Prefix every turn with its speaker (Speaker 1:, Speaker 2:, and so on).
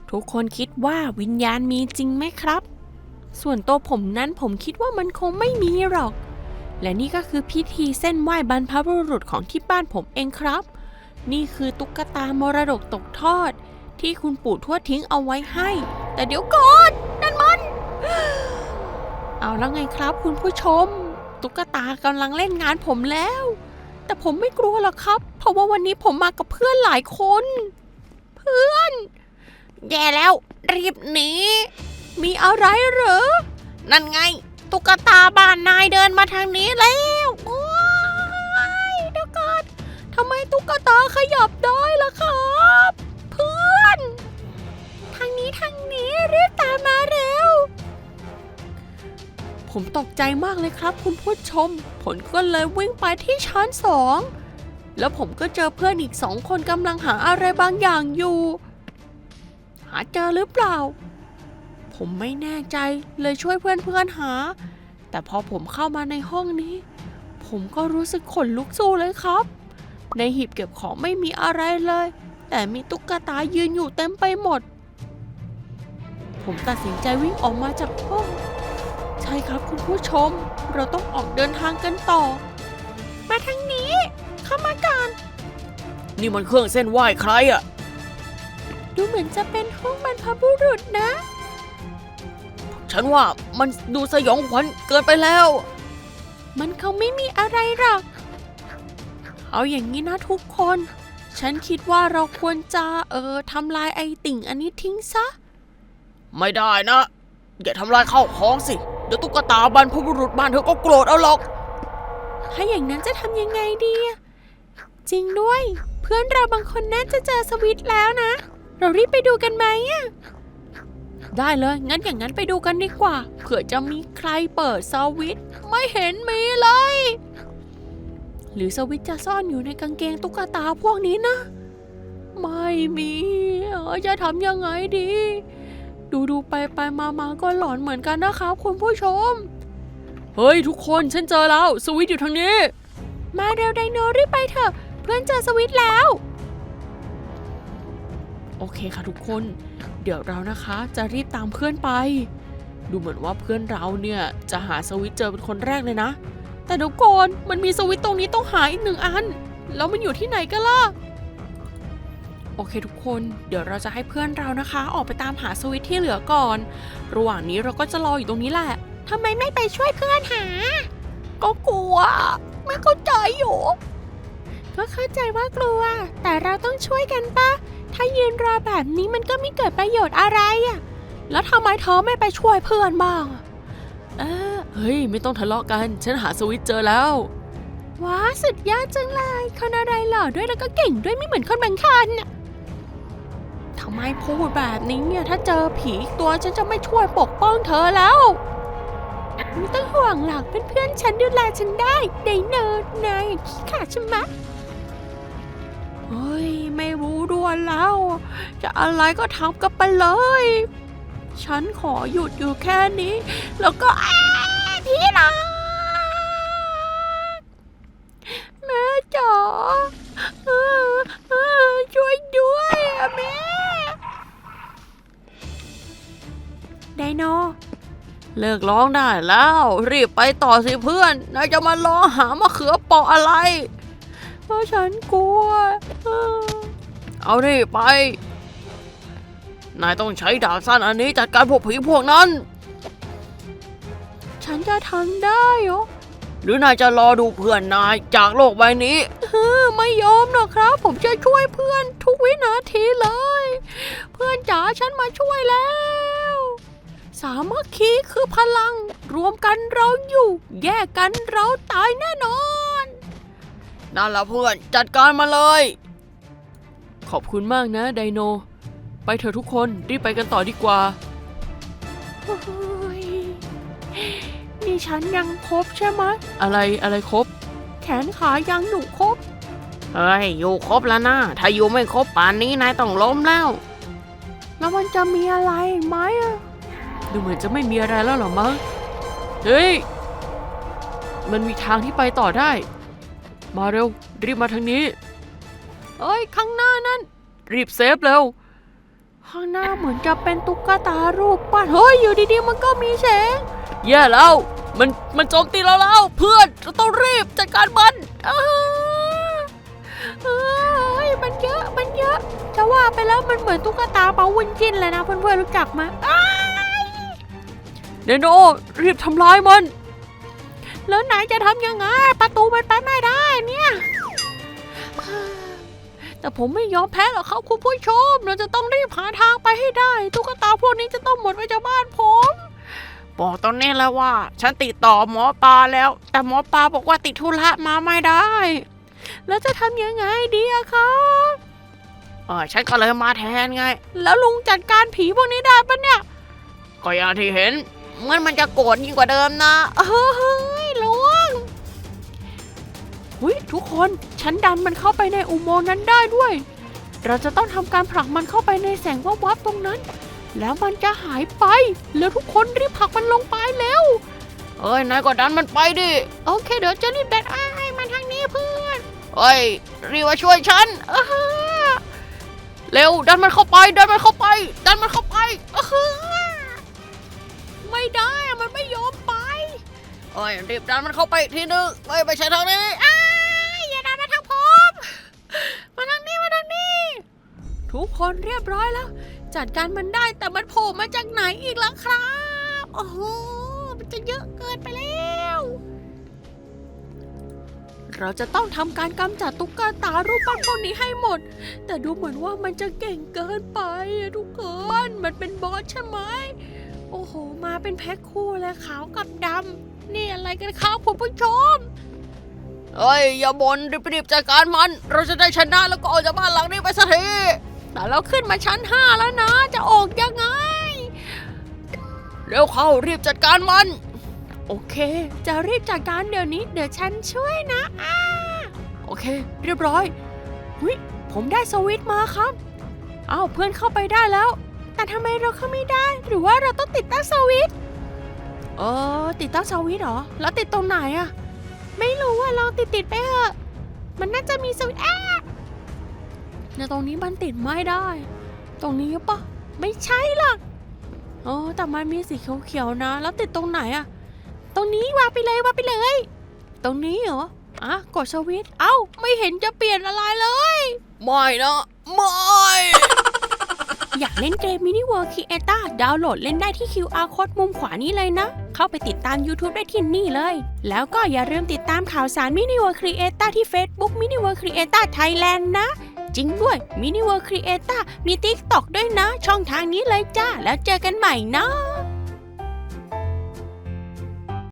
Speaker 1: ทุกคนคิดว่าวิญญาณมีจริงไหมครับส่วนตัวผมนั้นผมคิดว่ามันคงไม่มีหรอกและนี่ก็คือพิธีเส้นไหว้บรรพบุรุษของที่บ้านผมเองครับนี่คือตุ๊กตามรดกตกทอดที่คุณปู่ทวดทิ้งเอาไว้ให้แต่เดี๋ยวก่อนนั่นมันเอาแล้วไงครับคุณผู้ชมตุ๊กตากำลังเล่นงานผมแล้วแต่ผมไม่กลัวหรอกครับเพราะว่าวันนี้ผมมากับเพื่อนหลายคนเพื่อนแย่แล้วรีบหนีมีอะไรเหรอนั่นไงตุ๊กตาบ้านนายเดินมาทางนี้แล้วโอ้ยเดี๋ยวก่อนทำไมตุ๊กตาขยับได้ล่ะครับเพื่อนทางนี้รีบตามมาเร็วผมตกใจมากเลยครับคุณผู้ชมผมก็เลยวิ่งไปที่ชั้น2แล้วผมก็เจอเพื่อนอีก2คนกำลังหาอะไรบางอย่างอยู่หาเจอหรือเปล่าผมไม่แน่ใจเลยช่วยเพื่อนหาแต่พอผมเข้ามาในห้องนี้ผมก็รู้สึกขนลุกสู้เลยครับในหีบเก็บของไม่มีอะไรเลยแต่มีตุ๊กตายืนอยู่เต็มไปหมดผมตัดสินใจวิ่งออกมาจากห้องใช่ครับคุณผู้ชมเราต้องออกเดินทางกันต่อมาทางนี้เข้ามาก่อนนี่มันเครื่องเส้นไหว้ใครอะดูเหมือนจะเป็นห้องบรรพบุรุษนะฉันว่ามันดูสยองขวัญเกินไปแล้วมันคงไม่มีอะไรหรอกเอาอย่างนี้นะทุกคนฉันคิดว่าเราควรจะทำลายไอ้ติ่งอันนี้ทิ้งซะไม่ได้นะอย่าทำลายข้าวของสิเดี๋ยวตุ๊กตาบรรพบุรุษบ้านเธอก็โกรธเอาหรอกถ้าอย่างนั้นจะทำยังไงดีจริงด้วยเพื่อนเราบางคนน่าจะเจอสวิตช์แล้วนะเรารีบไปดูกันไหมได้เลยงั้นอย่างนั้นไปดูกันดีกว่าเผื่อจะมีใครเปิดสวิตช์ไม่เห็นมีเลยหรือสวิตช์จะซ่อนอยู่ในกางเกงตุ๊กตาพวกนี้นะไม่มีจะทำยังไงดีดูไปมาก็หลอนเหมือนกันนะครับคุณผู้ชมเฮ้ยทุกคนฉันเจอแล้วสวิตช์อยู่ทางนี้มาเร็วไดโนรีบไปเถอะเพื่อนเจอสวิตช์แล้วโอเคค่ะทุกคนเดี๋ยวเรานะคะจะรีบตามเพื่อนไปดูเหมือนว่าเพื่อนเราเนี่ยจะหาสวิตช์เจอเป็นคนแรกเลยนะแต่เดี๋ยวก่อนมันมีสวิตช์ตรงนี้ต้องหาอีก1 อันแล้วมันอยู่ที่ไหนกันล่ะโอเคทุกคนเดี๋ยวเราจะให้เพื่อนเรานะคะออกไปตามหาสวิตช์ที่เหลือก่อนระหว่างนี้เราก็จะรออยู่ตรงนี้แหละทำไมไม่ไปช่วยเพื่อนหาก็กลัวไม่เข้าใจอยู่ก็เข้าใจว่ากลัวแต่เราต้องช่วยกันปะถ้ายืนรอแบบนี้มันก็ไม่เกิดประโยชน์อะไรแล้วทำไมเธอไม่ไปช่วยเพื่อนบ้างเฮ้ยไม่ต้องทะเลาะกันฉันหาสวิตช์เจอแล้วว้าสุดยอดจังเลยคนอะไรหล่อด้วยแล้วก็เก่งด้วยไม่เหมือนคนบางคนทำไมพูดแบบนี้เนี่ยถ้าเจอผีอีกตัวฉันจะไม่ช่วยปกป้องเธอแล้วไม่ต้องห่วงหรอกเพื่อนๆฉันดูแลฉันได้ไดโนนายขี้ขลาดใช่ไหมเฮ้ยไม่รู้ด้วยแล้วจะอะไรก็ทำกันไปเลยฉันขอหยุดอยู่แค่นี้แล้วก็พี่รักแม่จ๋าช่วยด้วยแม่ไดโนเลิกร้องได้แล้วรีบไปต่อสิเพื่อนนายจะมาร้องหามะเขือเปาะอะไรเพราะฉันกลัวเอาดิไปนายต้องใช้ดาบสั้นอันนี้จัดการพวกผีพวกนั้นฉันจะทำได้เหรอหรือนายจะรอดูเพื่อนนายจากโลกใบนี้ไม่ยอมหรอกครับผมจะช่วยเพื่อนทุกวินาทีเลยเพื่อนจ๋าฉันมาช่วยแล้วสามัคคีคือพลังรวมกันเราอยู่แยกกันเราตายแน่นอนนั่นแหละเพื่อนจัดการมาเลยขอบคุณมากนะไดโนไปเถอะทุกคนรีบไปกันต่อดีกว่านี่ฉันยังครบใช่ไหมอะไรครบแขนขายังอยู่ครบอยู่ครบแล้วนะถ้าอยู่ไม่ครบป่านนี้นายต้องล้มแล้วมันจะมีอะไรไหมดูเหมือนจะไม่มีอะไรแล้วหรอมั้งเฮ้ยมันมีทางที่ไปต่อได้มาเร็วรีบมาทางนี้ข้างหน้านั่นรีบเซฟเร็วข้างหน้าเหมือนจะเป็นตุ๊กตารูปปั้นเฮ้ยอยู่ดีๆมันก็มีแสงแย่แล้วมันโจมตีเราแล้วเพื่อนเราต้องรีบจัดการมันเฮ้ยมันเยอะจะว่าไปแล้วมันเหมือนตุ๊กตาเปาวุ้นจิ้นเลยนะเพื่อนๆรู้จักไหมเนโนรีบทำลายมันแล้วไหนจะทำยังไงประตูมันไปไม่ได้เนี่ยแต่ผมไม่ยอมแพ้หรอกครับคุณผู้ชมเราจะต้องรีบหาทางไปให้ได้ตุ๊กตาพวกนี้จะต้องหมดไปจากบ้านผมบอกตอนนี้แล้วว่าฉันติดต่อหมอปลาแล้วแต่หมอปลาบอกว่าติดธุระมาไม่ได้แล้วจะทำยังไงดีอะครับฉันก็เลยมาแทนไงแล้วลุงจัดการผีพวกนี้ได้ปะเนี่ยก็อย่างที่เห็นมันจะโกรธยิ่งกว่าเดิมนะเฮ้ยลุงทุกคนฉันดันมันเข้าไปในอุโมงค์นั้นได้ด้วยเราจะต้องทำการผลักมันเข้าไปในแสงวับๆตรงนั้นแล้วมันจะหายไปแล้วทุกคนรีบผลักมันลงไปแล้วนายก็ดันมันไปดิโอเคเดี๋ยวจะรีบดันมันทางนี้เพื่อนรีบมาช่วยฉันเร็วดันมันเข้าไปไม่ได้มันไม่ยอมไปรีบดันมันเข้าไปอีกทีนึงไม่ใช่ทางนี้อย่าดันมาทางผมมาทางนี้ทุกคนเรียบร้อยแล้วจัดการมันได้แต่มันโผล่มาจากไหนอีกล่ะครับโอ้โหมันจะเยอะเกินไปแล้วเราจะต้องทำการกำจัดตุ๊กตารูปปั้นพวกนี้ให้หมดแต่ดูเหมือนว่ามันจะเก่งเกินไปทุกคนมันเป็นบอสใช่ไหมโอ้โหมาเป็นแพ็คคู่เลยขาวกับดำนี่อะไรกันครับคุณผู้ชมอย่าบ่นรีบจัดการมันเราจะได้ชนะแล้วก็ออกจากบ้านหลังนี้ไปสักทีแต่เราขึ้นมาชั้น5แล้วนะจะออกยังไงเร็วเข้ารีบจัดการมันโอเคจะรีบจัดการเดี๋ยวนี้เดี๋ยวฉันช่วยนะโอเคเรียบร้อยผมได้สวิตช์มาครับเพื่อนเข้าไปได้แล้วแต่ทำไมเราเข้าไม่ได้หรือว่าเราต้องติดตั้งสวิตช์ติดตั้งสวิตช์เหรอแล้วติดตรงไหนอะไม่รู้ว่าลองติดไปเถอะมันน่าจะมีสวิตช์ตรงนี้มันติดไม่ได้ตรงนี้ปะไม่ใช่หรอกแต่มันมีสีเขียวๆนะแล้วติดตรงไหนอะตรงนี้วางไปเลยตรงนี้เหรอกดสวิตช์ไม่เห็นจะเปลี่ยนอะไรเลยไม่นะไม่ อยากเล่นเกม Mini World Creator ดาวน์โหลดเล่นได้ที่ QR Code มุมขวานี้เลยนะเข้าไปติดตาม YouTube ได้ที่นี่เลยแล้วก็อย่าลืมติดตามข่าวสาร Mini World Creator ที่ Facebook Mini World Creator Thailand นะจริงด้วย Mini World Creator มี TikTok ด้วยนะช่องทางนี้เลยจ้าแล้วเจอกันใหม่นะ